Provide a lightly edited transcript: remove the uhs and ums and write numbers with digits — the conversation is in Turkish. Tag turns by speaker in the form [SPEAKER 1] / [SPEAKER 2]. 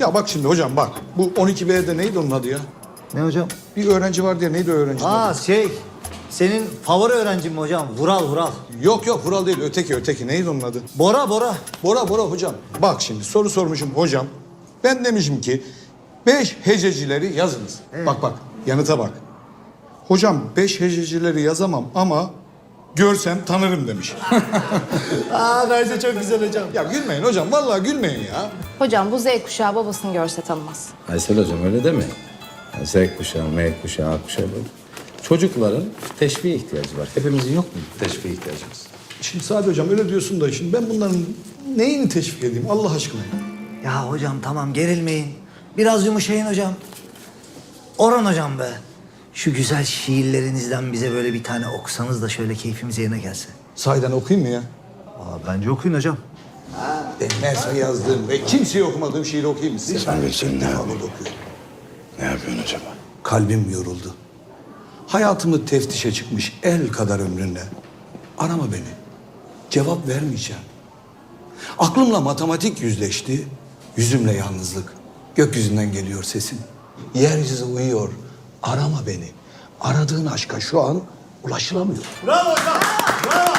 [SPEAKER 1] Ya bak şimdi hocam bak. Bu 12B'de neydi onun adı ya?
[SPEAKER 2] Ne hocam?
[SPEAKER 1] Bir öğrenci vardı ya, neydi o öğrencinin adı?
[SPEAKER 2] Senin favori öğrencin mi hocam? Vural.
[SPEAKER 1] Yok Vural değil, öteki. Neydi onun adı?
[SPEAKER 2] Bora.
[SPEAKER 1] Bora hocam. Bak şimdi soru sormuşum hocam. Ben demişim ki 5 hececileri yazınız.
[SPEAKER 2] Evet.
[SPEAKER 1] Bak yanıta bak. Hocam 5 hececileri yazamam ama görsem tanırım demiş.
[SPEAKER 2] Bence çok güzel hocam.
[SPEAKER 1] Ya gülmeyin hocam, vallahi gülmeyin ya.
[SPEAKER 3] Hocam bu Z kuşağı babasını görse tanımaz.
[SPEAKER 4] Aysel hocam öyle deme. Yani Z kuşağı, M kuşağı, A kuşağı böyle. Çocukların teşviğe ihtiyacı var. Hepimizin yok mu teşviğe ihtiyacımız?
[SPEAKER 1] Şimdi Sadi hocam öyle diyorsun da şimdi ben bunların neyini teşvik edeyim Allah aşkına?
[SPEAKER 2] Ya hocam tamam gerilmeyin. Biraz yumuşayın hocam. Orhan hocam be. Şu güzel şiirlerinizden bize böyle bir tane okusanız da şöyle keyfimiz yerine gelse.
[SPEAKER 1] Sahiden okuyayım mı ya?
[SPEAKER 2] Bence okuyun hocam.
[SPEAKER 1] Ben Mersa yazdığım ve kimseye okumadığım şiiri okuyayım mı size?
[SPEAKER 4] Sen bilsin ne yapayım?
[SPEAKER 1] Okuyorum.
[SPEAKER 4] Ne yapıyorsun acaba?
[SPEAKER 1] Kalbim yoruldu. Hayatımı teftişe çıkmış el kadar ömrünle. Arama beni. Cevap vermeyeceğim. Aklımla matematik yüzleşti. Yüzümle yalnızlık. Gökyüzünden geliyor sesin. Yeryüzü uyuyor. Arama beni. Aradığın aşka şu an ulaşılamıyor.
[SPEAKER 2] Bravo hocam. Bravo.